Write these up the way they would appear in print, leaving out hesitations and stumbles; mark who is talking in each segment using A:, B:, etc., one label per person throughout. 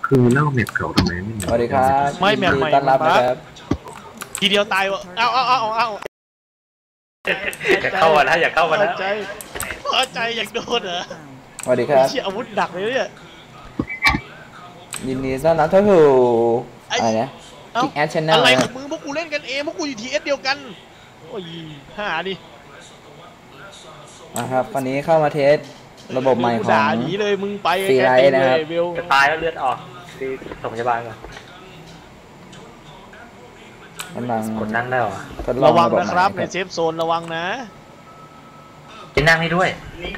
A: คือเล่าแมปเก่าทำไมไม่
B: สวัสดีครับ
C: ไม่แมปใหม่
B: ต้อนรับนะครับ
C: ทีเดียวตายวะเอา
D: อย่าเข้ามานะอย่าเข้ามานะ
C: พอใจอยากโดนเหรอ
B: สวัสดีครับ
C: เชี่ยอาวุธดักเลยเนี่ย
B: ยินดีต้อนรับเข้าสู่อะไรนะคิกแอดชแนล
C: อะไรของมึงพวกกูเล่นกันเองพวกกูอยู่ทีเอสเดียวกันโอ้ยหาดิ
B: นะครับวันนี้เข้ามาเทสระบบใหม่ของ
C: ด่าหนีเลยมึงไป
B: ฟรีไลท์นะครับ
C: เบล
D: จะตายแล้วเลือดออกที่ส่งพยาบาลก่อน
B: กำลัง
D: กดนั่งได้หรอ
B: ทดลอ
C: ระ
B: ง
C: วัง
B: ระบบ
C: นะ
B: ให
C: ค
B: ม่
C: รับในเซฟโซนระวังนะ
D: จะนั่งให้ด้วย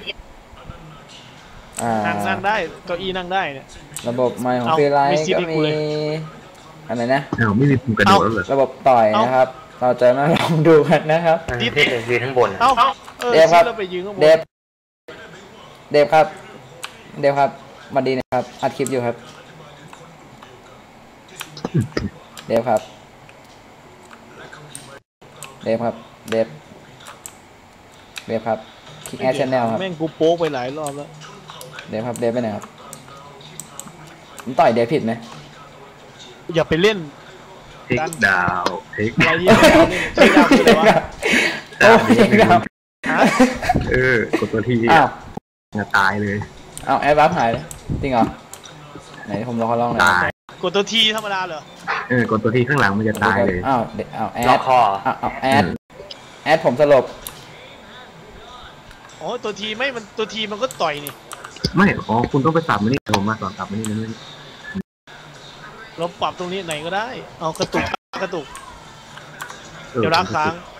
C: นั่งได้เก้าอี้นั่งได้เนี่ย
B: ระบบใหม่ของฟรีไลท์ก็มีอะไรนะ
A: ไม่มีปุ่มกระโดดแล้วเหรอ
B: ระบบต่อยนะครับ เราจะมาลองดูกันนะครับ
D: มันที่ยืนข้างบน
C: เอ้า
B: เดฟครับ
C: ไปยืนข้างบน
B: เดฟครับสวัสดีนะครับอัดคลิปอยู่ครับเดฟครับคิกแอดชแนลครับ
C: แม่งกูโป๊กไปหลายรอบแล้ว
B: เดฟไปไหนครับผมต่อยเดฟผิดไหม
C: อย่าไปเล่น
A: เทคดาวเทค
C: อะไรที่เราเล่นใช้ดาวคืออะไรวะ
B: โอ้เทคดาว
C: ฮะ
A: กดตัวที่
B: อ้าว
A: จะตายเลย
B: อ้าวแอดบัฟหายเลยจริงเหรอไหนผมลองเขาลองหน่อย
A: ตาย
C: กดตัวทีธรรมดาเหรอก
A: ดตัวที่ข้างหลังมันจะตายเลย
B: อ้าวแอ
D: ล็อ
B: ด
D: กคอ
B: อ้าวแอดผมสลบ
C: อ๋อตัวทีไม่มันตัวทีมันก็ต่อยนี่
A: ไม่คุณต้องไปสับมันนี่ผมมาสอนสับมันนี่นั่น
C: เราปรับตรงนี้ไหนก็ได้เอากระตุกเดี๋ยวล้างค้าง